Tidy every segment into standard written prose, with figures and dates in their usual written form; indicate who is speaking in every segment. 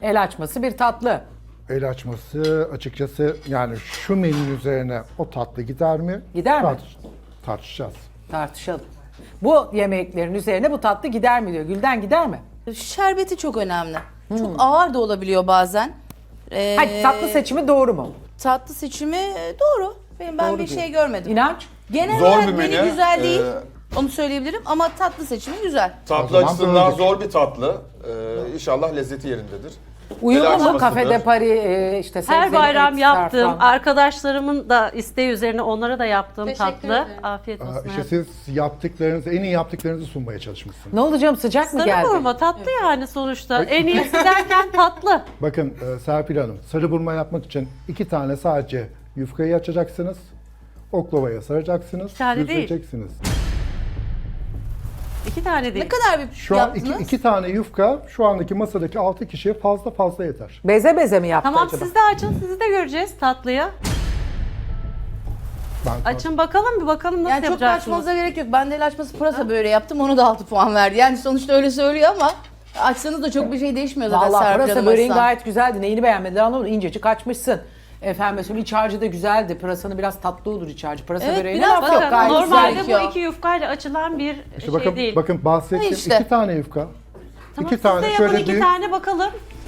Speaker 1: El açması bir tatlı.
Speaker 2: El açması açıkçası yani şu menünün üzerine o tatlı gider mi?
Speaker 1: Gider mi?
Speaker 2: Tartışacağız.
Speaker 1: Tartışalım. Bu yemeklerin üzerine bu tatlı gider mi diyor. Gülden gider mi?
Speaker 3: Şerbeti çok önemli. Çok ağır da olabiliyor bazen.
Speaker 1: Hadi tatlı seçimi doğru mu?
Speaker 3: Tatlı seçimi doğru. Ben
Speaker 1: Doğru
Speaker 3: bir
Speaker 1: diyor.
Speaker 3: şey görmedim.
Speaker 1: İnanç?
Speaker 3: Genel
Speaker 4: Zor
Speaker 3: olarak
Speaker 4: bir
Speaker 3: menü
Speaker 4: menü.
Speaker 3: güzel değil. Onu söyleyebilirim ama tatlı seçimi güzel.
Speaker 4: Tatlı
Speaker 2: zaman
Speaker 4: açısından
Speaker 2: böyledir.
Speaker 4: zor bir tatlı. İnşallah lezzeti yerindedir.
Speaker 1: Uyumlu mu
Speaker 4: açmasıdır.
Speaker 1: kafede Paris işte
Speaker 5: Her
Speaker 1: sebzeli
Speaker 5: bayram
Speaker 1: et,
Speaker 5: yaptığım,
Speaker 1: sarfan.
Speaker 5: arkadaşlarımın da isteği üzerine onlara da yaptığım
Speaker 3: Teşekkür
Speaker 5: tatlı.
Speaker 3: ederim.
Speaker 5: Afiyet olsun.
Speaker 2: İşte siz yaptıklarınızı, en iyi yaptıklarınızı sunmaya çalışmışsınız.
Speaker 1: Ne olacağım sıcak mı
Speaker 5: Sarı
Speaker 1: geldi?
Speaker 5: burma tatlı yani sonuçta. En iyisi derken tatlı.
Speaker 2: Bakın Serpil Hanım, sarı burma yapmak için 2 tane sadece yufkayı açacaksınız. Oklavaya saracaksınız,
Speaker 5: tane değil.
Speaker 2: düzleyeceksiniz.
Speaker 5: 2 tane değil.
Speaker 3: Ne kadar bir
Speaker 2: Şu an
Speaker 3: yaptınız?
Speaker 2: iki tane yufka şu andaki masadaki 6 kişiye fazla yeter.
Speaker 1: Beze beze mi yaptı
Speaker 5: Tamam
Speaker 1: acaba?
Speaker 5: siz de açın, sizi de göreceğiz tatlıyı.
Speaker 2: Ben
Speaker 5: Açın bakalım bir bakalım nasıl
Speaker 3: Yani çok da
Speaker 5: yapacaksınız.
Speaker 3: açmanıza gerek yok. Ben de el açması pırasa böreği yaptım. Onu da 6 puan verdi. Yani sonuçta öyle söylüyor ama açsanız da çok bir şey değişmiyor zaten
Speaker 1: Vallahi
Speaker 3: Serpil
Speaker 1: pırasa
Speaker 3: Hanım
Speaker 1: böreğin
Speaker 3: açsam.
Speaker 1: gayet güzeldi. Neyini beğenmediler anlamadım. İncecik açmışsın. Efendim mesela iç harcı da güzeldi. Pırasanın biraz tatlı olur iç harcı. Pırasa
Speaker 3: Evet,
Speaker 1: böreğine
Speaker 3: biraz
Speaker 1: laf
Speaker 3: bakın,
Speaker 1: yok.
Speaker 5: Bakın
Speaker 1: Gayet
Speaker 5: normalde
Speaker 1: güzel.
Speaker 5: bu 2 yufkayla açılan bir
Speaker 2: İşte
Speaker 5: şey
Speaker 2: bakın,
Speaker 5: değil.
Speaker 2: bakın bahsettiğim
Speaker 3: İşte.
Speaker 2: 2 tane yufka.
Speaker 5: Tamam,
Speaker 2: 2
Speaker 5: siz
Speaker 2: tane
Speaker 5: de yapın
Speaker 2: şöyle
Speaker 5: 2
Speaker 2: büyük.
Speaker 5: tane bakalım.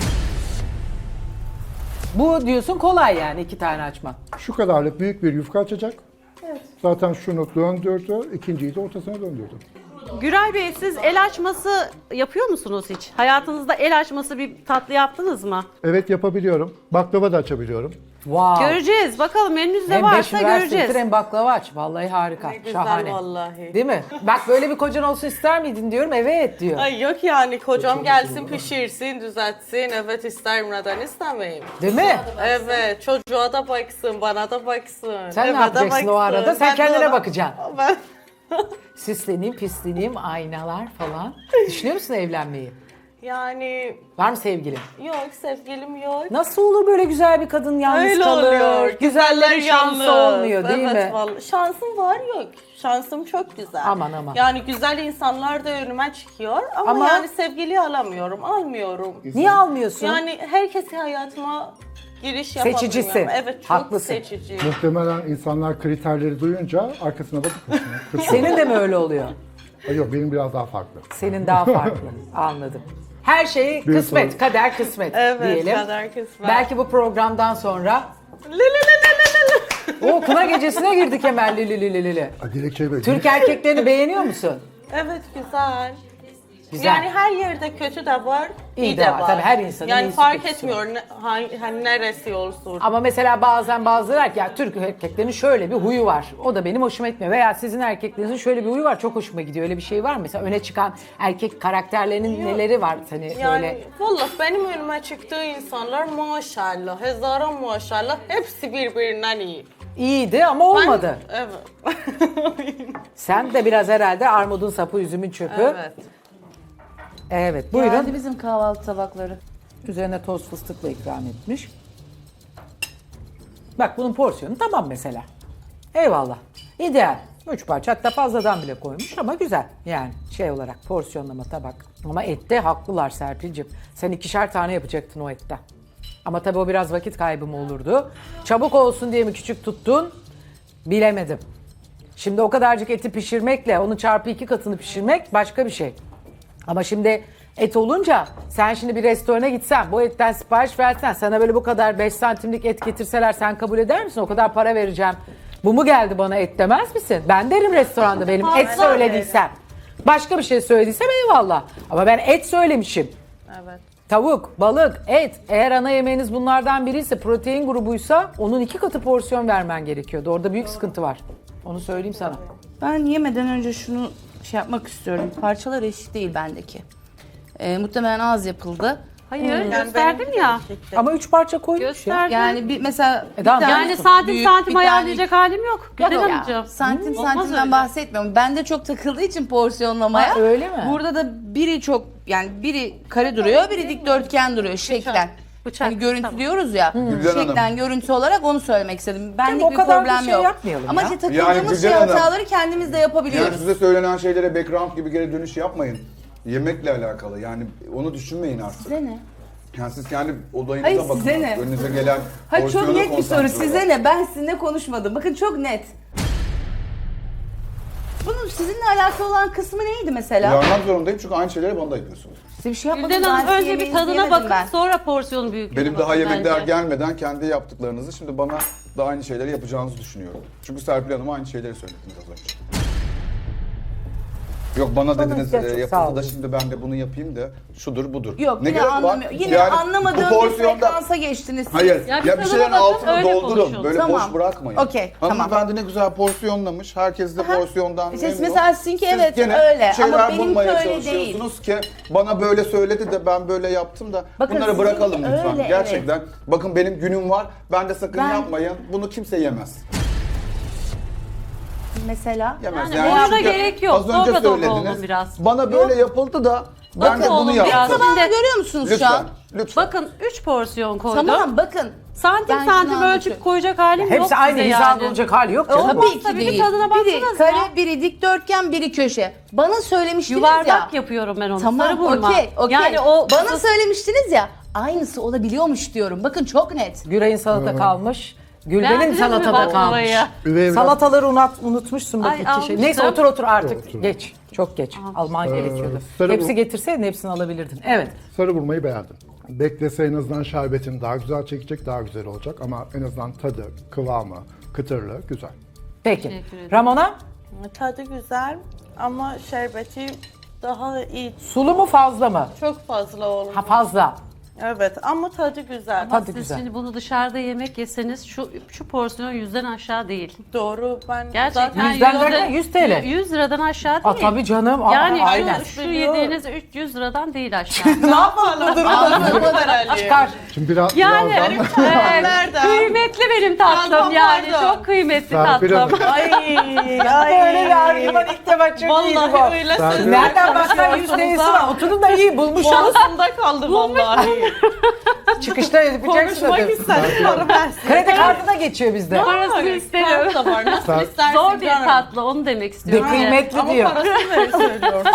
Speaker 1: Bu diyorsun kolay yani 2 tane açma.
Speaker 2: Şu kadarlık büyük bir yufka açacak. Zaten şunu döndürdü, ikinciyi de ortasına döndürdü.
Speaker 5: Güray Bey siz el açması yapıyor musunuz hiç? Hayatınızda el açması bir tatlı yaptınız mı?
Speaker 2: Evet yapabiliyorum. Baklava da açabiliyorum.
Speaker 1: Wow.
Speaker 5: Göreceğiz. Bakalım menünüzde
Speaker 1: Hem 5
Speaker 5: varsa göreceğiz.
Speaker 1: üniversitedir hem baklava aç. Vallahi harika. Şahane.
Speaker 6: Vallahi.
Speaker 1: Değil mi? Bak böyle bir kocan olsun ister miydin diyorum. Evet diyor.
Speaker 6: Ay yok yani kocam gelsin pişirsin, düzeltsin. Evet isterim neden istemeyim.
Speaker 1: Değil mi?
Speaker 6: Evet çocuğa da baksın, bana da baksın.
Speaker 1: Sen
Speaker 6: eve
Speaker 1: ne
Speaker 6: de
Speaker 1: yapacaksın o
Speaker 6: baksın.
Speaker 1: arada? Sen
Speaker 6: Ben de
Speaker 1: kendine
Speaker 6: ona-
Speaker 1: bakacaksın.
Speaker 6: Ben...
Speaker 1: Süsleneyim, pisleneyim, aynalar falan. Düşünüyor musun evlenmeyi?
Speaker 6: Yani
Speaker 1: Var mı sevgilin?
Speaker 6: yok sevgilim yok.
Speaker 1: Nasıl olur böyle güzel bir kadın yalnız
Speaker 6: Öyle
Speaker 1: kalır?
Speaker 6: oluyor.
Speaker 1: Güzellerin şansı olmuyor değil
Speaker 6: Evet,
Speaker 1: mi?
Speaker 6: Vallahi. Şansım var yok. Şansım çok güzel.
Speaker 1: Aman, aman.
Speaker 6: Yani güzel insanlar da önüme çıkıyor ama, yani sevgili alamıyorum, almıyorum.
Speaker 1: Niye almıyorsun?
Speaker 6: Yani herkesi hayatıma giriş yapamıyorum.
Speaker 1: Seçicisin.
Speaker 6: Evet çok
Speaker 1: Haklısın.
Speaker 6: seçici.
Speaker 2: Muhtemelen insanlar kriterleri duyunca arkasına bakıp kaçıyor.
Speaker 1: Senin de mi öyle oluyor?
Speaker 2: Yok benim biraz daha farklı.
Speaker 1: Senin daha farklı. Anladım. Her şey
Speaker 2: Bir
Speaker 1: kısmet,
Speaker 2: soru.
Speaker 1: kader kısmet
Speaker 6: Evet,
Speaker 1: diyelim.
Speaker 6: kader kısmet.
Speaker 1: Belki bu programdan sonra
Speaker 6: Li li li li li li.
Speaker 1: o kına gecesine girdik hemen li li li li li.
Speaker 2: Dilekçe böyle.
Speaker 1: Türk erkeklerini beğeniyor musun?
Speaker 6: Evet güzel.
Speaker 1: Güzel.
Speaker 6: Yani her yerde kötü de var, iyi de var.
Speaker 1: Tabii her insanın
Speaker 6: yani
Speaker 1: iyisi,
Speaker 6: fark
Speaker 1: kötüsü
Speaker 6: etmiyor hani neresi olsun.
Speaker 1: Ama mesela bazen bazıları der ki ya Türk erkeklerinin şöyle bir huyu var. O da benim hoşuma gitmiyor. Veya sizin erkeklerinizin şöyle bir huyu var çok hoşuma gidiyor. Öyle bir şey var mı? Mesela öne çıkan erkek karakterlerinin neleri var? Hani
Speaker 6: Yani
Speaker 1: böyle
Speaker 6: vallahi benim önüme çıktığı insanlar maşallah, hezara maşallah hepsi birbirinden iyi.
Speaker 1: iyiydi ama olmadı.
Speaker 6: Evet.
Speaker 1: Sen de biraz herhalde armudun sapı, üzümün çöpü.
Speaker 6: evet.
Speaker 1: Evet, buyurun.
Speaker 3: Geldi bizim kahvaltı tabakları.
Speaker 1: Üzerine toz fıstıkla ikram etmiş. Bak bunun porsiyonu tamam mesela. Eyvallah. İdeal. 3 parça hatta fazladan bile koymuş ama güzel. Yani şey olarak porsiyonlama tabak. Ama ette haklılar Serpil'cim. Sen 2'şer tane yapacaktın o ette. Ama tabii o biraz vakit kaybı mı olurdu? Çabuk olsun diye mi küçük tuttun? Bilemedim. Şimdi o kadarcık eti pişirmekle onun çarpı 2 katını pişirmek başka bir şey. Ama şimdi et olunca sen şimdi bir restorana gitsen bu etten sipariş versen sana böyle bu kadar 5 santimlik et getirseler sen kabul eder misin? O kadar para vereceğim. Bu mu geldi bana et demez misin? Ben derim restoranda benim et
Speaker 6: Fazla
Speaker 1: söylediysem. Başka bir şey söylediysem eyvallah. Ama ben et söylemişim.
Speaker 6: Evet.
Speaker 1: Tavuk, balık, et. Eğer ana yemeğiniz bunlardan biriyse, protein grubuysa onun 2 katı porsiyon vermen gerekiyordu. Orada büyük sıkıntı var. Onu söyleyeyim sana.
Speaker 3: Ben yemeden önce şunu şey yapmak istiyorum. Parçalar eşit değil bendeki. Muhtemelen az yapıldı.
Speaker 5: Hayır gösterdim ya.
Speaker 1: Ama 3 parça koymuş ya.
Speaker 5: Gösterdim.
Speaker 3: Yani bir mesela bir
Speaker 1: tamam.
Speaker 3: tane
Speaker 5: Yani santim
Speaker 3: büyük,
Speaker 5: santim
Speaker 3: bir tane-
Speaker 5: ayarlayacak halim yok. Güzel
Speaker 3: Yok ya,
Speaker 5: Hanımcığım.
Speaker 3: santim
Speaker 5: Olmaz
Speaker 3: santimden
Speaker 5: öyle.
Speaker 3: bahsetmiyorum. Bende çok takıldığı için porsiyonlamaya.
Speaker 1: Ha, öyle mi?
Speaker 3: Burada da biri çok yani biri kare duruyor, biri dikdörtgen duruyor şeklen.
Speaker 5: Bıçak,
Speaker 3: Hani görüntü
Speaker 5: tamam.
Speaker 3: diyoruz ya.
Speaker 4: Gülden
Speaker 3: Şeklen
Speaker 4: Hanım.
Speaker 3: görüntü olarak onu söylemek istedim. Benlik
Speaker 1: o
Speaker 3: bir
Speaker 1: kadar da
Speaker 3: problem
Speaker 1: şey
Speaker 3: yok.
Speaker 1: yapmayalım
Speaker 3: Ama
Speaker 1: ya.
Speaker 3: işte
Speaker 4: Yani
Speaker 3: takıldığımız
Speaker 4: Gülden Hanım,
Speaker 3: hataları kendimiz de yapabiliyoruz.
Speaker 4: Yani size söylenen şeylere background gibi geri dönüş yapmayın. Yemekle alakalı yani onu düşünmeyin artık.
Speaker 3: Size ne?
Speaker 7: Yani siz kendi olayınıza
Speaker 3: Hayır,
Speaker 7: bakın.
Speaker 3: size ne?
Speaker 7: Önünüze gelen
Speaker 3: Ha, çok
Speaker 7: porsiyona
Speaker 3: net bir soru.
Speaker 7: konsantre
Speaker 3: Size
Speaker 7: olun.
Speaker 3: ne? Ben sizinle konuşmadım. Bakın çok net. Bunun sizinle alakalı olan kısmı neydi mesela?
Speaker 7: Uyarmak zorundayım çünkü aynı şeyleri bana da yapıyorsunuz.
Speaker 3: Size bir şey yapmadım.
Speaker 5: Gülden Hanım
Speaker 3: ben
Speaker 5: önce
Speaker 3: yemeği
Speaker 5: bir tadına
Speaker 3: izleyemedim
Speaker 5: bakın
Speaker 3: ben.
Speaker 5: sonra porsiyon büyüklüğüne
Speaker 7: Benim
Speaker 5: bakın
Speaker 7: daha yemekler
Speaker 5: bence.
Speaker 7: gelmeden kendi yaptıklarınızı şimdi bana da aynı şeyleri yapacağınızı düşünüyorum. Çünkü Serpil Hanım'a aynı şeyleri söylediniz az önce. Yok bana dediniz
Speaker 1: ihtiyaç yok, sağ
Speaker 7: yapıldı
Speaker 1: olun.
Speaker 7: da şimdi ben de bunu yapayım da şudur budur.
Speaker 3: Yok
Speaker 7: Ne
Speaker 3: yine
Speaker 7: gerek var?
Speaker 3: anlamıyor. Yine
Speaker 7: Yani
Speaker 3: anlamadığım
Speaker 7: bu
Speaker 3: bir
Speaker 7: porsiyonda-
Speaker 3: frekansa geçtiniz siz.
Speaker 7: Hayır.
Speaker 5: Ya
Speaker 7: Ya,
Speaker 5: bir
Speaker 7: bir
Speaker 5: tadına
Speaker 7: şeylerin
Speaker 5: bakın,
Speaker 7: altını
Speaker 5: öyle
Speaker 7: doldurun.
Speaker 5: konuşun.
Speaker 7: Böyle
Speaker 3: Tamam.
Speaker 7: boş bırakmayın.
Speaker 3: Okey, tamam.
Speaker 7: Hanımefendi ne güzel porsiyonlamış. Herkes de porsiyondan
Speaker 3: İşte
Speaker 7: memnun.
Speaker 3: mesela sizinki
Speaker 7: Siz
Speaker 3: evet,
Speaker 7: gene
Speaker 3: öyle. Ama
Speaker 7: şeyler
Speaker 3: benimki
Speaker 7: bulmaya
Speaker 3: öyle
Speaker 7: çalışıyorsunuz ki bana böyle söyledi de ben böyle yaptım da
Speaker 3: Bakın
Speaker 7: bunları bırakalım
Speaker 3: sizinki
Speaker 7: lütfen.
Speaker 3: öyle,
Speaker 7: Gerçekten. Bakın benim günüm var. Ben de sakın
Speaker 3: Ben-
Speaker 7: yapmayın. Bunu kimse yemez.
Speaker 3: Mesela.
Speaker 7: Yemez.
Speaker 5: Yani ona
Speaker 7: çünkü
Speaker 5: gerek yok.
Speaker 7: Az önce
Speaker 5: Dobra dobra
Speaker 7: söylediniz.
Speaker 5: olun biraz.
Speaker 7: Bana böyle yapıldı da ben
Speaker 3: Bakın
Speaker 7: de bunu
Speaker 5: oğlum
Speaker 7: yaptım.
Speaker 5: biraz.
Speaker 3: Tabağını
Speaker 5: Şimdi-
Speaker 3: görüyor musunuz şu
Speaker 7: Lütfen.
Speaker 3: an?
Speaker 7: Lütfen.
Speaker 5: Bakın 3 porsiyon koydum.
Speaker 3: Tamam bakın.
Speaker 5: Santim
Speaker 3: Ben
Speaker 5: santim
Speaker 3: şunu
Speaker 5: ölçüp
Speaker 3: anlatıyorum.
Speaker 5: koyacak halim yok
Speaker 1: Hepsi aynı
Speaker 5: size
Speaker 1: hizada
Speaker 5: yani.
Speaker 1: olacak hali yok canım.
Speaker 3: Tabii ki
Speaker 5: tabii bir
Speaker 3: değil.
Speaker 5: tadına
Speaker 3: Biri
Speaker 5: baksanıza
Speaker 3: kare,
Speaker 5: ya.
Speaker 3: biri dikdörtgen, biri köşe. Bana söylemiştiniz
Speaker 5: Yuvarlak
Speaker 3: ya.
Speaker 5: yapıyorum ben onu. Sarı
Speaker 3: Tamam,
Speaker 5: vurma.
Speaker 3: okey.
Speaker 5: Yani o
Speaker 3: Bana söylemiştiniz ya. Aynısı olabiliyormuş diyorum. Bakın çok net.
Speaker 1: Güray'ın salata kalmış. Gülben'in
Speaker 5: Beğendiniz mi
Speaker 1: salatada kalmış.
Speaker 5: baklavayı?
Speaker 2: Üvey evlat-
Speaker 1: Salataları unutmuşsun bak
Speaker 5: Ay,
Speaker 1: iki şey.
Speaker 5: almıştım.
Speaker 1: Neyse otur artık.
Speaker 2: Otur.
Speaker 1: Geç. Çok geç. Alman gerekiyordu.
Speaker 2: sarı
Speaker 1: Hepsi
Speaker 2: bu-
Speaker 1: getirseydin hepsini alabilirdin. Evet.
Speaker 2: Sarı vurmayı beğendim. Beklese en azından şerbetini daha güzel çekecek, daha güzel olacak ama en azından tadı, kıvamı, kıtırlığı güzel.
Speaker 1: Peki.
Speaker 5: Teşekkür ederim.
Speaker 1: Ramona
Speaker 6: Tadı güzel ama şerbeti daha iyi.
Speaker 1: sulu mu fazla mı?
Speaker 6: Çok fazla olmuş.
Speaker 1: Ha fazla.
Speaker 6: Evet ama tadı güzel.
Speaker 1: Tadı
Speaker 5: Siz
Speaker 1: güzel.
Speaker 5: şimdi bunu dışarıda yemek yeseniz şu porsiyon 100'den aşağı değil.
Speaker 6: Doğru. Ben
Speaker 5: Gerçekten
Speaker 6: zaten
Speaker 1: 100'den derken 100 TL.
Speaker 5: 100 liradan aşağı değil.
Speaker 1: Aa, tabii canım.
Speaker 5: Yani
Speaker 1: Aynen.
Speaker 5: şu yediğiniz 300 liradan değil aşağı.
Speaker 1: Ne yapalım bu durumda?
Speaker 6: herhalde.
Speaker 1: Çıkar.
Speaker 2: Şimdi biraz
Speaker 5: Yani
Speaker 2: birazdan
Speaker 6: Nereden?
Speaker 5: kıymetli benim tatlım
Speaker 6: Tamam,
Speaker 5: yani.
Speaker 6: pardon.
Speaker 5: Çok kıymetli
Speaker 2: Serpil
Speaker 5: tatlım.
Speaker 2: Hanım.
Speaker 1: Böyle bir argüman ilk defa çok iyiydi bu.
Speaker 6: Vallahi öyle
Speaker 2: Serpil-
Speaker 6: söylüyorum.
Speaker 1: Nereden baksan 100 TL'si var. Oturun da iyi bulmuşsunuz.
Speaker 6: Boğazımda kaldı vallahi.
Speaker 1: Çıkışta yapacaksın
Speaker 6: Konuşmak
Speaker 1: ödül.
Speaker 6: istedim. Para versin.
Speaker 1: Kredi kartı da geçiyor bizde.
Speaker 5: Parasını isterim.
Speaker 6: Kart da var. Nasıl
Speaker 2: Sen-
Speaker 6: istersin?
Speaker 5: Zor bir
Speaker 6: canım.
Speaker 5: tatlı onu demek istiyorum.
Speaker 1: De kıymetli
Speaker 6: Ama
Speaker 1: diyor.
Speaker 6: parasını ver söylüyorum.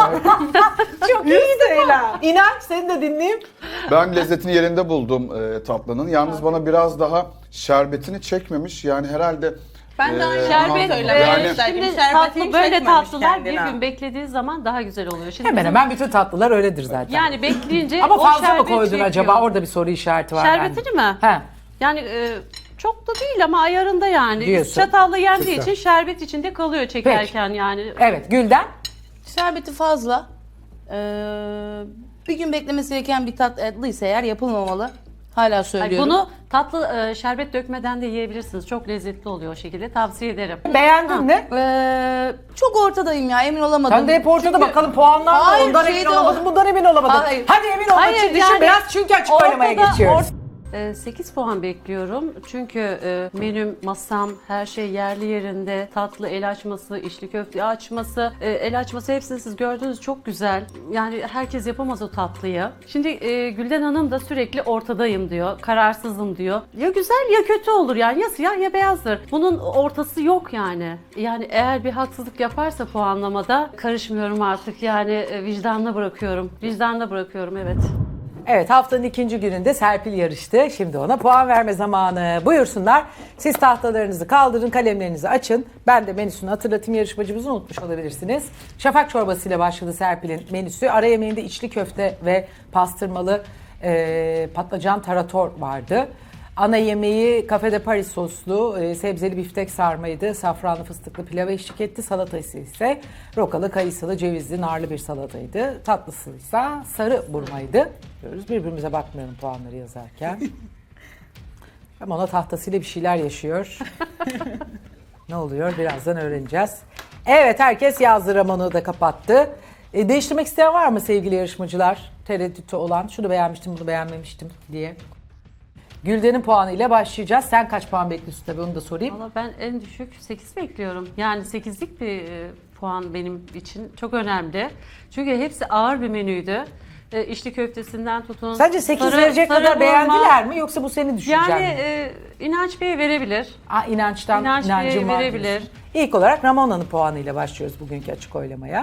Speaker 1: Çok iyi Leyla. İnanç seni de dinleyeyim.
Speaker 7: Ben lezzetini yerinde buldum tatlının. Yalnız bana biraz daha şerbetini çekmemiş. Yani herhalde
Speaker 6: Ben de aynı
Speaker 5: Şerbet,
Speaker 6: söylemek
Speaker 7: yani-
Speaker 6: istedim.
Speaker 5: şimdi
Speaker 6: Şerbetini
Speaker 5: tatlı böyle
Speaker 6: çekmemiş
Speaker 5: tatlılar bir
Speaker 6: kendine.
Speaker 5: gün beklediği zaman daha güzel oluyor. Şimdi
Speaker 1: Hemen
Speaker 5: bizim-
Speaker 1: hemen bütün tatlılar öyledir zaten.
Speaker 5: yani bekleyince
Speaker 1: Ama
Speaker 5: o
Speaker 1: fazla mı
Speaker 5: şerbet
Speaker 1: koydun
Speaker 5: çekiyor.
Speaker 1: acaba? Orada bir soru işareti var.
Speaker 5: Şerbetini mi?
Speaker 1: He.
Speaker 5: Yani çok da değil ama ayarında yani.
Speaker 1: Diyorsun.
Speaker 5: Çatalla yendiği
Speaker 2: Güzel.
Speaker 5: için şerbet içinde kalıyor çekerken yani.
Speaker 1: Evet Gülden.
Speaker 3: Şerbeti fazla. Bir gün beklemesi gereken bir tatlıysa eğer yapılmamalı. Hala
Speaker 5: Ay,
Speaker 3: söylüyorum.
Speaker 5: bunu tatlı şerbet dökmeden de yiyebilirsiniz. Çok lezzetli oluyor o şekilde. Tavsiye ederim.
Speaker 1: Beğendin mi?
Speaker 3: Çok ortadayım ya, emin olamadım.
Speaker 1: Sen de hep ortada
Speaker 3: Çünkü-
Speaker 1: bakalım puanlar var.
Speaker 3: Hayır,
Speaker 1: Ondan emin
Speaker 3: şeyde
Speaker 1: olamadın,
Speaker 3: o-
Speaker 1: bundan emin olamadın.
Speaker 3: Hayır.
Speaker 1: Hadi emin olmak
Speaker 5: Hayır,
Speaker 1: için düşün
Speaker 5: yani
Speaker 1: biraz çünkü açık oylamaya
Speaker 5: ortada-
Speaker 1: geçiyoruz.
Speaker 5: 8 puan bekliyorum. Çünkü menüm, masam, her şey yerli yerinde. Tatlı, el açması, içli köfte açması, el açması hepsini siz gördünüz çok güzel. Yani herkes yapamaz o tatlıyı. Şimdi Gülden Hanım da sürekli ortadayım diyor. Kararsızım diyor. Ya güzel ya kötü olur yani. Ya siyah ya beyazdır. Bunun ortası yok yani. Yani eğer bir haksızlık yaparsa puanlamada karışmıyorum artık. Yani vicdanına bırakıyorum. Vicdanına bırakıyorum, evet.
Speaker 1: Evet, haftanın ikinci gününde Serpil yarıştı. Şimdi ona puan verme zamanı. Buyursunlar. Siz tahtalarınızı kaldırın, kalemlerinizi açın. Ben de menüsünü hatırlatayım, yarışmacımızı unutmuş olabilirsiniz. Şafak çorbasıyla başladı Serpil'in menüsü. Ara yemeğinde içli köfte ve pastırmalı patlıcan tarator vardı. Ana yemeği Cafe de Paris soslu sebzeli biftek sarmaydı. Safranlı fıstıklı pilava eşlik etti. Salatası ise rokalı, kayısılı, cevizli, narlı bir salataydı. Tatlısı ise sarı burmaydı. Diyoruz. Birbirimize bakmayalım puanları yazarken. Ama ona tahtasıyla bir şeyler yaşıyor. Ne oluyor? Birazdan öğreneceğiz. Evet, herkes yazdı. Ramon'u da kapattı. Değiştirmek isteyen var mı sevgili yarışmacılar? Tereddütü olan, şunu beğenmiştim, bunu beğenmemiştim diye. Gülden'in puanıyla başlayacağız. Sen kaç puan bekliyorsun tabii, onu da sorayım.
Speaker 5: Valla ben en düşük 8 bekliyorum. Yani 8'lik bir puan benim için çok önemli. Çünkü hepsi ağır bir menüydü. İçli köftesinden tutun.
Speaker 1: Sence 8
Speaker 5: sarı-
Speaker 1: verecek
Speaker 5: sarı
Speaker 1: kadar
Speaker 5: burma.
Speaker 1: beğendiler mi yoksa bu senin düşüncen
Speaker 5: Yani
Speaker 1: mi?
Speaker 5: İnanç Bey verebilir.
Speaker 1: İnançtan
Speaker 5: İnanç Bey
Speaker 1: inancım var
Speaker 5: verebilir.
Speaker 1: diyorsun. İlk olarak Ramona'nın puanıyla başlıyoruz bugünkü açık oylamaya.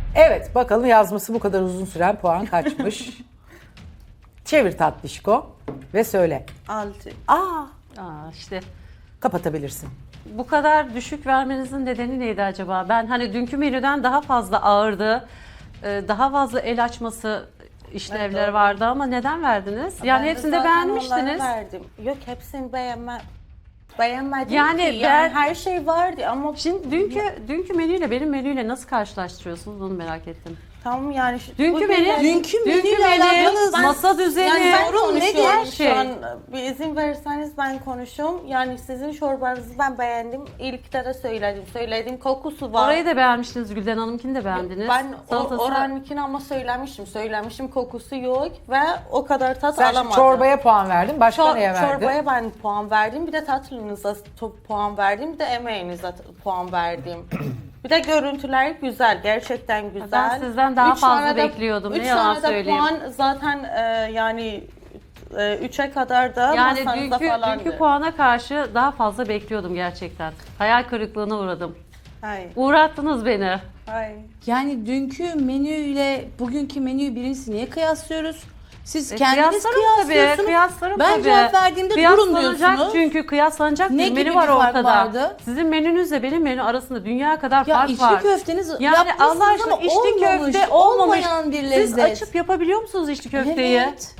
Speaker 1: Evet bakalım yazması bu kadar uzun süren puan kaçmış? Çevir tatlışko ve söyle.
Speaker 6: 6.
Speaker 5: işte
Speaker 1: Kapatabilirsin.
Speaker 5: bu kadar düşük vermenizin nedeni neydi acaba? Ben hani dünkü menüden daha fazla ağırdı. Daha fazla el açması işlevler vardı ama neden verdiniz? Yani hepsinde beğenmiştiniz.
Speaker 6: Verdim. Yok hepsini beğenmedim
Speaker 5: Yani
Speaker 6: ki.
Speaker 5: ben-
Speaker 6: Her şey vardı ama
Speaker 5: Şimdi dünkü menüyle benim menüyle nasıl karşılaştırıyorsunuz onu merak ettim.
Speaker 6: tamam yani
Speaker 5: Dünkü menü,
Speaker 3: Dünkü menüyle alakalı
Speaker 5: masa düzeni,
Speaker 6: yani ben
Speaker 3: sorun nedir?
Speaker 6: konuşuyorum
Speaker 5: Her şey.
Speaker 6: şu an. Bir izin verirseniz ben konuşuyorum. Yani sizin çorbanızı ben beğendim. İlkte de söyledim. Kokusu var.
Speaker 5: Orayı da beğenmiştiniz, Gülden Hanım'kini de beğendiniz.
Speaker 6: Ben
Speaker 5: Salatası-
Speaker 6: oranınkini ama söylemişim kokusu yok ve o kadar tat
Speaker 1: Sen şimdi
Speaker 6: alamadım.
Speaker 1: çorbaya puan verdin. Başka neye verdin?
Speaker 6: Çorbaya ben puan verdim. Bir de tatlınıza puan verdim. Bir de emeğinize puan verdim. Bir de görüntüler güzel. Gerçekten güzel.
Speaker 5: Ben sizden daha
Speaker 6: Üç
Speaker 5: fazla
Speaker 6: tane de-
Speaker 5: bekliyordum, ne
Speaker 6: üç
Speaker 5: yalan
Speaker 6: tane de
Speaker 5: söyleyeyim.
Speaker 6: puan zaten yani 3'e kadar da
Speaker 5: Yani
Speaker 6: masanızda falandı.
Speaker 5: dünkü puana karşı daha fazla bekliyordum gerçekten. Hayal kırıklığına uğradım.
Speaker 6: Hayır.
Speaker 5: Uğrattınız beni.
Speaker 6: Hayır.
Speaker 3: Yani dünkü menüyle bugünkü menüyü birincisi niye kıyaslıyoruz? Siz kendiniz
Speaker 5: Kıyaslarım
Speaker 3: kıyaslıyorsunuz.
Speaker 5: Kıyaslarım
Speaker 3: Ben
Speaker 5: tabii.
Speaker 3: cevap verdiğimde durun
Speaker 5: Kıyaslanacak
Speaker 3: diyorsunuz.
Speaker 5: çünkü kıyaslanacak
Speaker 3: Ne
Speaker 5: bir
Speaker 3: gibi
Speaker 5: menü
Speaker 3: bir
Speaker 5: var
Speaker 3: fark
Speaker 5: ortada.
Speaker 3: vardı?
Speaker 5: Sizin menünüzle benim menü arasında dünya kadar
Speaker 3: Ya
Speaker 5: fark
Speaker 3: içli
Speaker 5: var.
Speaker 3: köfteniz
Speaker 5: Yani
Speaker 3: yapmışsınız
Speaker 5: Allah aşkına
Speaker 3: ama
Speaker 5: içli
Speaker 3: olmamış,
Speaker 5: köfte olmamış.
Speaker 3: olmayan bir lezzet.
Speaker 5: Siz açıp yapabiliyor musunuz içli köfteyi?
Speaker 3: Evet.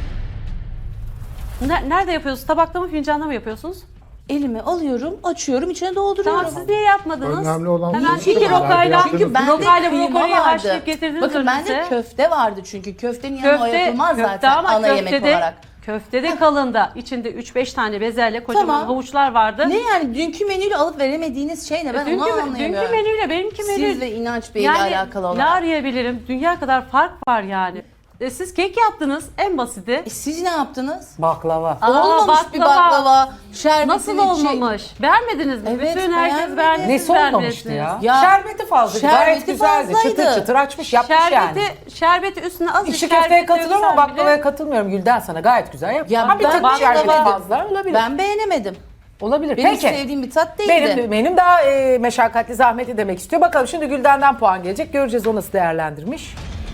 Speaker 5: Nerede yapıyorsunuz? Tabakta mı fincanda mı yapıyorsunuz?
Speaker 3: Elime alıyorum, açıyorum, içine dolduruyorum.
Speaker 5: Tamam siz niye yapmadınız?
Speaker 2: Önemli olan
Speaker 5: Hemen
Speaker 2: bu.
Speaker 5: iki
Speaker 2: Çünkü
Speaker 5: rokayla,
Speaker 3: Çünkü bende
Speaker 5: rokayla
Speaker 3: kıyma
Speaker 5: brokoliyi
Speaker 3: vardı.
Speaker 5: haşlayıp getirdiniz
Speaker 3: Bakın bende
Speaker 5: önümüze.
Speaker 3: köfte vardı çünkü köftenin yanına o yapılmaz zaten
Speaker 5: ama
Speaker 3: ana yemek olarak.
Speaker 5: Köftede kalında içinde 3-5 tane bezelye kocaman
Speaker 3: Tamam.
Speaker 5: havuçlar vardı.
Speaker 3: Ne yani dünkü menüyle alıp veremediğiniz şey ne? Ben onu
Speaker 5: Dünkü
Speaker 3: anlayamıyorum.
Speaker 5: menüyle benimki menü.
Speaker 3: Siz ve İnanç Bey ile
Speaker 5: yani,
Speaker 3: alakalı
Speaker 5: ne
Speaker 3: olarak.
Speaker 5: arayabilirim? Dünya kadar fark var yani. Siz kek yaptınız en basiti.
Speaker 3: Siz ne yaptınız?
Speaker 1: Baklava.
Speaker 3: Olmamış bir baklava, şerbetinin
Speaker 5: Nasıl
Speaker 3: şey-
Speaker 5: olmamış? Beğenmediniz mi?
Speaker 3: Evet,
Speaker 5: Bütün herkes
Speaker 3: beğenmedim.
Speaker 5: beğendi. siz
Speaker 1: Nesi olmamıştı
Speaker 5: beğenmediniz.
Speaker 1: ya?
Speaker 3: Ya,
Speaker 1: Şerbeti fazla. Gayet
Speaker 3: şerbeti
Speaker 1: güzeldi.
Speaker 3: fazlaydı.
Speaker 1: Çıtır çıtır açmış yapmış yani.
Speaker 5: Şerbeti üstüne az
Speaker 1: İçli köfteye katılıyorum ama baklavaya katılmıyorum Gülden sana. Gayet güzel yapmış.
Speaker 3: Ya
Speaker 1: Ama bir
Speaker 3: ben
Speaker 1: tık
Speaker 3: baklava-
Speaker 1: şerbeti fazla olabilir.
Speaker 3: Ben beğenemedim.
Speaker 1: Olabilir.
Speaker 3: Benim
Speaker 1: Peki.
Speaker 3: sevdiğim bir tat değildi.
Speaker 1: Benim daha meşakkatli, zahmetli demek istiyor. Bakalım şimdi Gülden'den puan gelecek. Göreceğiz o nasıl değerlendirmiş.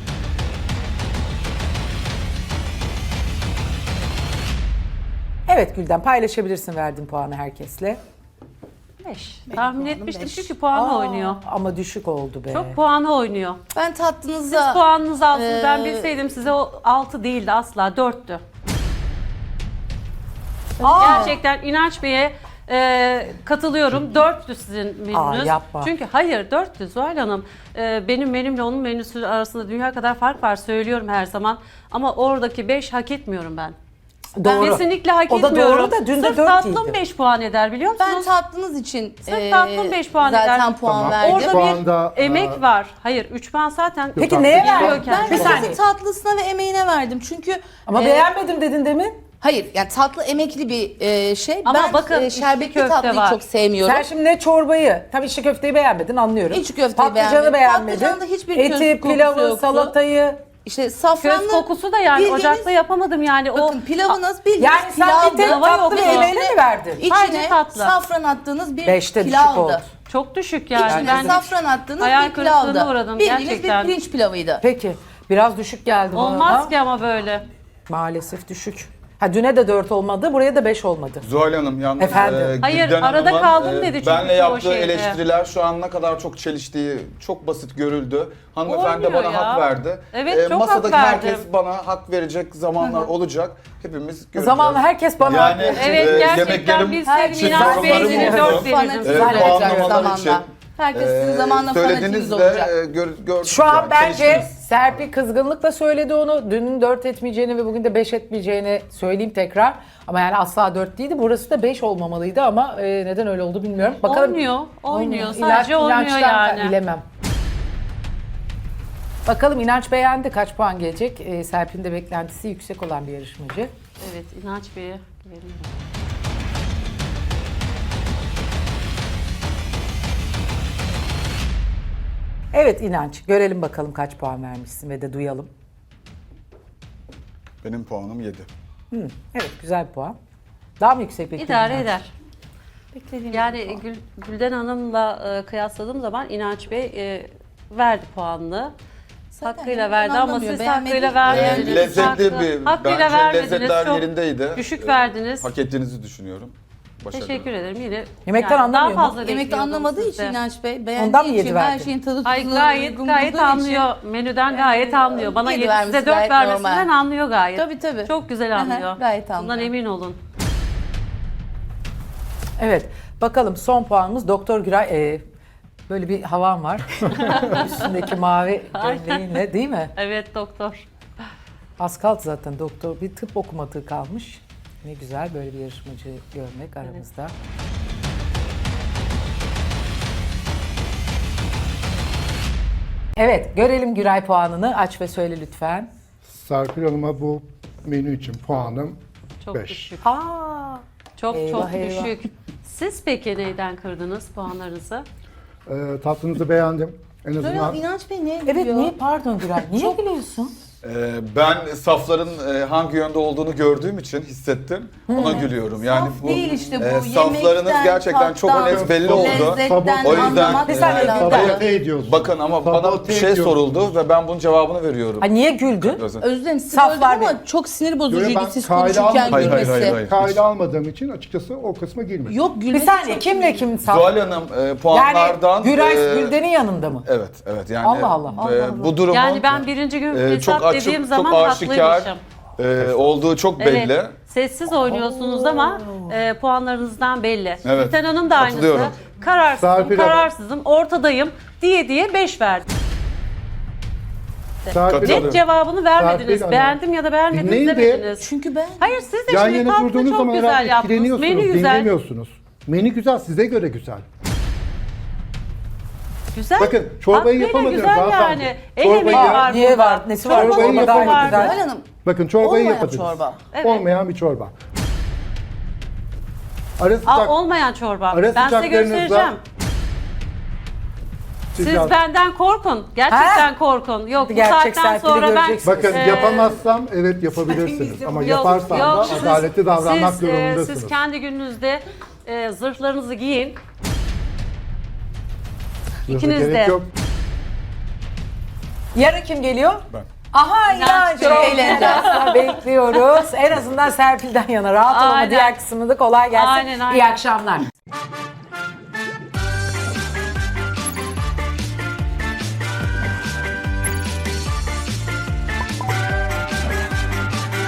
Speaker 1: Evet Gülden paylaşabilirsin verdiğin puanı herkesle.
Speaker 5: 5. Tahmin
Speaker 3: puanım
Speaker 5: etmiştim
Speaker 3: 5.
Speaker 5: çünkü puanı oynuyor.
Speaker 1: Ama düşük oldu be.
Speaker 5: Çok puanı oynuyor.
Speaker 3: Ben
Speaker 5: Siz
Speaker 3: tatlınıza...
Speaker 5: puanınızı alsın. Ben
Speaker 3: Ee,
Speaker 5: bilseydim size o 6 değildi asla 4'tü. Gerçekten İnanç Bey'e katılıyorum. 4'tü sizin menünüz.
Speaker 1: yapma.
Speaker 5: Çünkü hayır 4'tü Zuhal Hanım. Benim menümle onun menüsü arasında dünya kadar fark var söylüyorum her zaman. Ama oradaki 5 hak etmiyorum ben.
Speaker 1: Doğru.
Speaker 5: Kesinlikle hak
Speaker 1: O da
Speaker 5: etmiyorum.
Speaker 1: doğru da dün de
Speaker 5: Sırf
Speaker 1: 4
Speaker 5: tatlım
Speaker 1: değildi.
Speaker 5: 5 puan eder biliyor musunuz?
Speaker 3: Ben tatlınız için
Speaker 5: Sırf tatlım 5 puan
Speaker 3: zaten
Speaker 5: eder.
Speaker 3: puan
Speaker 2: Tamam.
Speaker 3: verdim.
Speaker 5: Orada
Speaker 2: Şu
Speaker 5: bir
Speaker 2: anda,
Speaker 5: emek var. Hayır 3 puan zaten.
Speaker 1: Peki neye
Speaker 2: Tatlışko.
Speaker 1: verdin?
Speaker 3: Ben
Speaker 1: Bir saniye.
Speaker 3: sadece tatlısına ve emeğine verdim. Çünkü
Speaker 1: Ama beğenmedim dedin demin.
Speaker 3: hayır yani tatlı emekli bir şey.
Speaker 5: Ama
Speaker 3: ben
Speaker 5: bakın, içli
Speaker 3: şerbetli
Speaker 5: köfte
Speaker 3: tatlıyı
Speaker 5: var.
Speaker 3: çok sevmiyorum.
Speaker 1: Sen şimdi ne çorbayı, tabii içli köfteyi beğenmedin anlıyorum.
Speaker 3: İçli köfteyi
Speaker 1: Patlıcanı
Speaker 3: beğenmedim.
Speaker 1: beğenmedin.
Speaker 3: Patlıcanda hiçbir
Speaker 1: Eti,
Speaker 3: köz kokusu
Speaker 1: pilavı,
Speaker 3: yoktu.
Speaker 1: salatayı.
Speaker 3: İşte safranlı
Speaker 5: Köz kokusu da yani
Speaker 3: bildiğiniz-
Speaker 5: ocakta yapamadım yani.
Speaker 3: Bakın pilavınız bildiğiniz
Speaker 1: Yani sen bir tek
Speaker 3: pilavdı.
Speaker 1: tatlı ve
Speaker 5: yoktu.
Speaker 1: emeğine mi verdin?
Speaker 5: Sadece
Speaker 3: İçine
Speaker 5: tatlı.
Speaker 3: safran attığınız bir
Speaker 1: 5'te düşük
Speaker 3: pilavdı.
Speaker 1: oldu.
Speaker 5: Çok düşük yani.
Speaker 3: İçine
Speaker 5: Ben
Speaker 3: safran attığınız
Speaker 5: hayal
Speaker 3: bir
Speaker 5: kırıklığına
Speaker 3: pilavdı.
Speaker 5: uğradım
Speaker 3: Bildiğiniz
Speaker 5: gerçekten.
Speaker 3: bir pirinç pilavıydı.
Speaker 1: Peki. Biraz düşük geldi bana
Speaker 5: olmaz
Speaker 1: ama
Speaker 5: ki ama böyle.
Speaker 1: maalesef düşük. Ha düne de 4 olmadı, buraya da 5 olmadı.
Speaker 7: Zuhal Hanım yalnız
Speaker 1: Efendim?
Speaker 5: Hayır,
Speaker 7: Gülden
Speaker 5: arada
Speaker 7: Hanım'ın,
Speaker 5: kaldım dedi çünkü
Speaker 7: benle
Speaker 5: çoğu
Speaker 7: yaptığı
Speaker 5: şeyde.
Speaker 7: eleştiriler şu an ne kadar çok çeliştiği çok basit görüldü. Hanımefendi de
Speaker 5: Olmuyor
Speaker 7: bana
Speaker 5: ya.
Speaker 7: hak verdi.
Speaker 5: Evet, çok hak
Speaker 7: masadaki
Speaker 5: verdim.
Speaker 7: herkes bana hak verecek zamanlar olacak. Hepimiz göreceğiz.
Speaker 1: Zamanla herkes bana hak
Speaker 7: yani,
Speaker 1: verecek.
Speaker 5: Evet gerçekten
Speaker 7: yemeklerim
Speaker 5: bilseydim
Speaker 7: için
Speaker 5: İnanç Bey'e
Speaker 7: sorunlarım
Speaker 5: yine
Speaker 7: oldu.
Speaker 5: 4 verirdim.
Speaker 3: Fanatizm
Speaker 1: Öyle
Speaker 3: olacak
Speaker 7: puanlamalar için,
Speaker 3: zamanla. Herkes sizin zamanla
Speaker 7: söylediğiniz
Speaker 3: fanatizm
Speaker 7: de
Speaker 3: olacak.
Speaker 7: gördük.
Speaker 1: Şu an
Speaker 7: yani,
Speaker 1: bence
Speaker 7: çelişkiniz.
Speaker 1: Serpil kızgınlıkla söyledi onu. Dünün 4 etmeyeceğini ve bugün de 5 etmeyeceğini söyleyeyim tekrar. Ama yani asla 4 değildi. Burası da 5 olmamalıydı ama neden öyle oldu bilmiyorum. Bakalım.
Speaker 5: Oynuyor. Sadece oynuyor
Speaker 1: İnançtan
Speaker 5: yani.
Speaker 1: Bilemem. Bakalım İnanç beğendi. Kaç puan gelecek? Serpil'in de beklentisi yüksek olan bir yarışmacı.
Speaker 5: Evet İnanç Bey'e güveniyorum.
Speaker 1: Evet İnanç. Görelim bakalım kaç puan vermişsin ve de duyalım.
Speaker 7: Benim puanım 7.
Speaker 1: Evet güzel bir puan. Daha mı yüksek bekliyordun?
Speaker 5: İdare
Speaker 1: İnanç?
Speaker 5: eder. Yani Gülden Hanım'la kıyasladığım zaman İnanç Bey verdi puanını.
Speaker 3: Zaten
Speaker 5: Hakkıyla
Speaker 3: ben
Speaker 5: verdi ama
Speaker 3: anlamıyorum,
Speaker 5: siz
Speaker 3: beğenmedi.
Speaker 5: hakkıyla vermediniz.
Speaker 7: Lezzetli bir,
Speaker 5: Hakkıyla
Speaker 7: bence
Speaker 5: vermediniz.
Speaker 7: lezzetler
Speaker 5: Çok
Speaker 7: yerindeydi.
Speaker 5: düşük verdiniz.
Speaker 7: Hak ettiğinizi düşünüyorum. Başarılı.
Speaker 5: Teşekkür ederim. Yine
Speaker 1: Yemekten
Speaker 5: daha
Speaker 1: anlamıyor mu?
Speaker 5: fazla
Speaker 3: Yemekte
Speaker 5: bekliyordum
Speaker 3: anlamadığı için
Speaker 5: sizden.
Speaker 3: İnanç Bey,
Speaker 1: Ondan
Speaker 3: beğendiği
Speaker 1: mı yedi
Speaker 3: için, her
Speaker 1: verdi?
Speaker 3: şeyin tadı
Speaker 5: Ay
Speaker 3: tuzuna
Speaker 5: gayet
Speaker 3: uygun
Speaker 5: gayet
Speaker 3: bulduğu için-
Speaker 5: anlıyor. Menüden gayet anlıyor. Bana
Speaker 3: Yedi
Speaker 5: 7
Speaker 3: vermesi
Speaker 5: size 4
Speaker 3: gayet
Speaker 5: vermesinden
Speaker 3: normal.
Speaker 5: anlıyor gayet.
Speaker 3: Tabii, tabii.
Speaker 5: Çok güzel
Speaker 3: Hı hı,
Speaker 5: anlıyor.
Speaker 3: gayet
Speaker 5: Bundan
Speaker 3: anlıyor.
Speaker 5: emin olun.
Speaker 1: Evet. Bakalım son puanımız Doktor Güray. Böyle bir havan var. Üstündeki mavi gömleğinle değil mi?
Speaker 5: Evet doktor.
Speaker 1: Az kaldı zaten doktor. Bir tıp okumadığı kalmış. Ne güzel böyle bir yarışmacı görmek aramızda. Evet, görelim Güray puanını. Aç ve söyle lütfen.
Speaker 2: Serpil Hanım'a bu menü için puanım
Speaker 5: Çok
Speaker 2: 5.
Speaker 5: düşük.
Speaker 1: Aa,
Speaker 5: Çok
Speaker 1: Eyvah,
Speaker 5: çok
Speaker 1: eyvah.
Speaker 5: düşük. Siz peki neyden kırdınız puanlarınızı?
Speaker 2: Tatlınızı beğendim. En
Speaker 3: Böyle
Speaker 2: azından
Speaker 3: İnanç Bey niye
Speaker 1: evet
Speaker 3: gülüyor?
Speaker 1: niye pardon Güray? Niye gülüyorsun?
Speaker 7: Ben safların hangi yönde olduğunu gördüğüm için hissettim. Ona gülüyorum. Yani
Speaker 3: Saf değil işte bu.
Speaker 7: saflarınız
Speaker 3: Yemekten,
Speaker 7: gerçekten çok
Speaker 3: tattan,
Speaker 7: net belli oldu.
Speaker 3: Lezzetten
Speaker 7: O yüzden,
Speaker 3: anlamak
Speaker 1: Bir saniye,
Speaker 3: lazım.
Speaker 2: sabote ediyorsun.
Speaker 7: Bakın ama bana
Speaker 2: Sabote
Speaker 7: bir şey
Speaker 2: ediyorsun.
Speaker 7: soruldu ve ben bunun cevabını veriyorum.
Speaker 1: Ha, niye güldün?
Speaker 7: Özlem.
Speaker 3: Özür dilerim sizi
Speaker 1: Saflar
Speaker 3: böldüm ama çok sinir bozucuydu
Speaker 2: Ben
Speaker 3: siz
Speaker 2: kayda
Speaker 3: konuşurken
Speaker 2: almadım.
Speaker 3: gülmesi.
Speaker 2: Kayda almadığım için açıkçası o kısma girmedim.
Speaker 3: Yok
Speaker 1: Bir
Speaker 3: gülmesi
Speaker 1: saniye
Speaker 3: çok
Speaker 1: kimle kim saf?
Speaker 7: Zuhal Hanım
Speaker 1: Yani
Speaker 7: puanlardan...
Speaker 1: Güray Gülden'in yanında mı?
Speaker 7: Evet, evet. Yani
Speaker 1: Allah Allah, Allah
Speaker 7: bu durumun
Speaker 5: Yani ben birinci gün
Speaker 7: çok
Speaker 5: hesap dediğim
Speaker 7: açık,
Speaker 5: zaman
Speaker 7: çok aşikar
Speaker 5: haklıymışım.
Speaker 7: olduğu çok belli.
Speaker 5: Evet. Sessiz oynuyorsunuz ama puanlarınızdan belli.
Speaker 7: Evet,
Speaker 5: Gülten Hanım da aynısı.
Speaker 7: katılıyorum.
Speaker 5: Kararsızım,
Speaker 2: Serpil Hanım.
Speaker 5: kararsızım, ortadayım diye 5 verdi.
Speaker 2: Serpil
Speaker 7: Katılıyorum.
Speaker 2: Hanım,
Speaker 5: Net cevabını vermediniz.
Speaker 2: Serpil Hanım.
Speaker 5: Beğendim ya da beğenmedim
Speaker 2: Dinleyin de-
Speaker 5: demediniz.
Speaker 3: Çünkü ben
Speaker 5: Hayır siz de
Speaker 2: yan
Speaker 5: şimdi
Speaker 2: yana
Speaker 5: tatlı
Speaker 2: durduğunuz
Speaker 5: çok
Speaker 2: zaman
Speaker 5: güzel
Speaker 2: herhalde
Speaker 5: yaptınız.
Speaker 2: etkileniyorsunuz,
Speaker 5: Menü güzel.
Speaker 2: dinlemiyorsunuz. Menü güzel, size göre güzel.
Speaker 5: Güzel.
Speaker 2: Bakın, çorbayı
Speaker 5: Hakkıyla
Speaker 2: yapamadınız
Speaker 5: güzel
Speaker 2: hanımefendi.
Speaker 5: yani. El
Speaker 2: Çorbayı
Speaker 5: emeği
Speaker 2: ya-
Speaker 5: var
Speaker 1: Niye
Speaker 5: burada.
Speaker 1: var? Nesi var?
Speaker 2: Çorbayı
Speaker 1: Çorba gayet
Speaker 2: yapamadınız.
Speaker 1: güzel.
Speaker 3: Zuhal Hanım
Speaker 2: Bakın çorbayı
Speaker 3: olmayan
Speaker 2: yapadınız.
Speaker 3: çorba.
Speaker 5: Evet.
Speaker 2: Olmayan bir çorba. Ara sıcak,
Speaker 5: Olmayan çorba.
Speaker 2: Ara
Speaker 5: Ben size
Speaker 2: sıcaklarınızda
Speaker 5: göstereceğim. Siz benden korkun. Gerçekten korkun. Yok bu
Speaker 1: Gerçek
Speaker 5: saatten
Speaker 1: Serpil'i
Speaker 5: sonra ben...
Speaker 1: göreceksiniz.
Speaker 2: Bakın yapamazsam evet yapabilirsiniz ama yaparsam da
Speaker 5: siz-
Speaker 2: adaletli davranmak
Speaker 5: siz,
Speaker 2: durumundasınız.
Speaker 5: Siz kendi gününüzde zırhlarınızı giyin.
Speaker 2: Zırha
Speaker 5: ikiniz
Speaker 2: gerek
Speaker 5: de.
Speaker 2: yok.
Speaker 1: Yarın kim geliyor?
Speaker 7: Ben.
Speaker 1: Aha İnanç.
Speaker 3: Çok eğleneceğiz.
Speaker 1: Bekliyoruz. En azından Serpil'den yana rahat olun ama
Speaker 5: Aynen.
Speaker 1: diğer kısmında kolay gelsin.
Speaker 5: Aynen, aynen.
Speaker 1: İyi akşamlar.